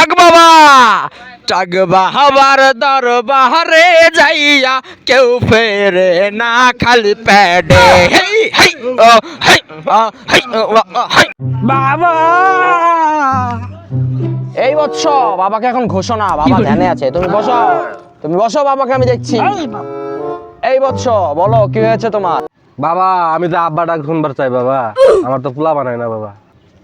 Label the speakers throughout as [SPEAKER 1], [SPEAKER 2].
[SPEAKER 1] টাক বাবা টাক বাহাবার দরবারে যাইয়া কেউ ফেরে না খালি প্যাডে হেই হেই ও হেই হেই হেই বাবা এই বৎস বাবাকে এখন ঘোষণা বাবা ধ্যানে আছে তুমি বসো বাবাকে আমি দেখছি এই বৎস বলো কি হয়েছে তোমার
[SPEAKER 2] বাবা আমি তো আব্বা ডাক শুনবার চাই বাবা আমার তো পোলা বানায় না বাবা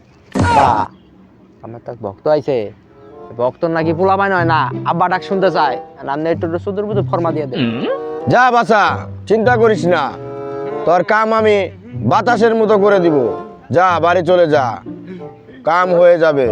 [SPEAKER 1] আমার তো ভক্ত আইছে ভক্ত নাকি পোলা বানায় হয় না আব্বা ডাক শুনতে চায় আপনি একটু সুদূর বুঝে ফরমা দিয়ে দেন
[SPEAKER 3] যা বাছা চিন্তা করিস না তোর কাম আমি বাতাসের মতো করে দিব যা বাড়ি চলে যা কাম হয়ে যাবে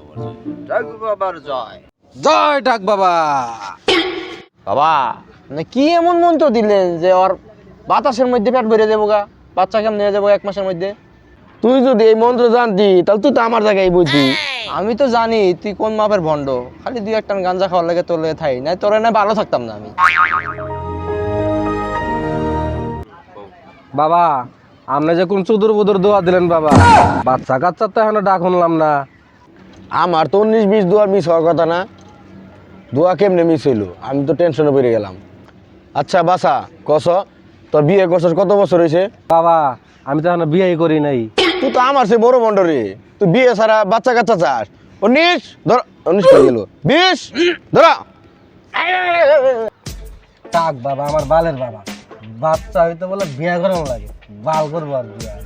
[SPEAKER 2] জয় ডাক বাবা
[SPEAKER 1] বাবা মানে কি এমন মন্ত্র দিলেন যে ওর বাতাসের মধ্যে পেট ভরে দেবো গা বাচ্চা কেমন নিয়ে যাবো 1 মাসের মধ্যে
[SPEAKER 3] তুই যদি এই মন্ত্র জানতি তাহলে তুই তো আমার জায়গায় বুঝতি
[SPEAKER 1] আমি তো জানি তুই কোন মাপের ভণ্ড খালি 2 টান গাঞ্জা খাওয়ার লাগে তোর লেগে থাই না তোর না ভালো থাকতাম না আমি
[SPEAKER 2] বাবা আপনি যে কোন চুদুর বুদুর দোয়া দিলেন বাবা বাচ্চা কাচ্চা তো এখন ডাক শুনলাম না
[SPEAKER 3] আমার তো 19-20 দুয়ার মিস হওয়ার কথা না দোয়া কেমনে মিস হইলো আমি তো টেনশনে পড়ে গেলাম আচ্ছা বাসা কস তোর বিয়ে করছস কত বছর হয়েছে
[SPEAKER 2] বাবা আমি তো এখন বিয়ে করি নাই
[SPEAKER 3] তুই তো আমার সে বড় বন্ড রে তুই বিয়ে ছাড়া বাচ্চা কাচ্চা চাস 19 ধর 19 হয়ে গেল 20 ধরা
[SPEAKER 2] ডাক বাবা আমার বালের বাবা বাচ্চা হইতে বলে বিয়ে করানো লাগে বাল করবো আর বিয়া